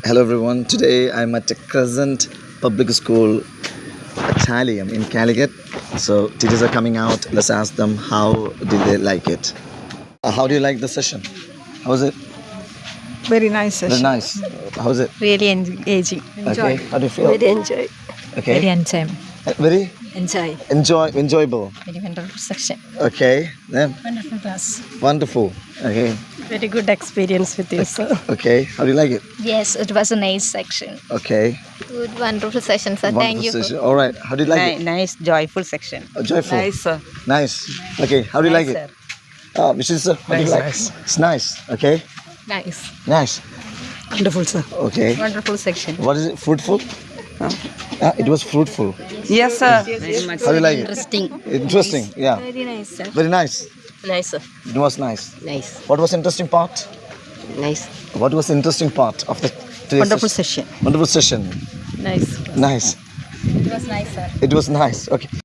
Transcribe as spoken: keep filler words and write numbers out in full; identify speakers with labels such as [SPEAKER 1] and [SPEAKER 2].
[SPEAKER 1] Hello everyone. Today I'm at a Crescent Public School, Italium in Calicut. So teachers are coming out. Let's ask them how did they like it. Uh, how do you like the session? How was it?
[SPEAKER 2] Very nice
[SPEAKER 1] Very
[SPEAKER 2] session.
[SPEAKER 1] nice. How was it?
[SPEAKER 3] Really engaging.
[SPEAKER 1] Okay. How do you feel?
[SPEAKER 3] Very enjoy.
[SPEAKER 1] Okay.
[SPEAKER 3] Very enjoy.
[SPEAKER 1] Uh, Very
[SPEAKER 3] Enjoy.
[SPEAKER 1] enjoy enjoyable.
[SPEAKER 3] Very wonderful section.
[SPEAKER 1] Okay. Then
[SPEAKER 3] Wonderful class.
[SPEAKER 1] wonderful. Okay.
[SPEAKER 3] Very good experience with you, sir.
[SPEAKER 1] Okay. How do you like it?
[SPEAKER 4] Yes, it was a nice section.
[SPEAKER 1] Okay.
[SPEAKER 4] Good, wonderful session, sir.
[SPEAKER 1] Wonderful
[SPEAKER 4] Thank you.
[SPEAKER 1] session. All right. How do you like it?
[SPEAKER 2] Nice, joyful section.
[SPEAKER 1] Uh, joyful.
[SPEAKER 2] Nice, sir.
[SPEAKER 1] Nice. Okay. How do you like
[SPEAKER 2] Nice,
[SPEAKER 1] it? Ah, Mister Sir, how do you
[SPEAKER 2] Nice,
[SPEAKER 1] like
[SPEAKER 2] nice.
[SPEAKER 1] it? It's nice. Okay.
[SPEAKER 3] Nice.
[SPEAKER 1] Nice.
[SPEAKER 2] Wonderful, sir.
[SPEAKER 1] Okay.
[SPEAKER 3] Wonderful section.
[SPEAKER 1] What is it? Fruitful? Ah, it was fruitful.
[SPEAKER 2] Yes, sir. Very much.
[SPEAKER 1] How do you like it?
[SPEAKER 3] Interesting.
[SPEAKER 1] Interesting. Yeah.
[SPEAKER 3] Very nice, sir.
[SPEAKER 1] Very nice.
[SPEAKER 3] Nice, sir.
[SPEAKER 1] It was nice.
[SPEAKER 3] Nice.
[SPEAKER 1] What was interesting part?
[SPEAKER 3] Nice.
[SPEAKER 1] What was the interesting part of the today's
[SPEAKER 2] Wonderful
[SPEAKER 1] session?
[SPEAKER 2] session.
[SPEAKER 1] Wonderful session.
[SPEAKER 3] Nice.
[SPEAKER 1] Nice.
[SPEAKER 4] It was nice, sir.
[SPEAKER 1] It was nice. Okay.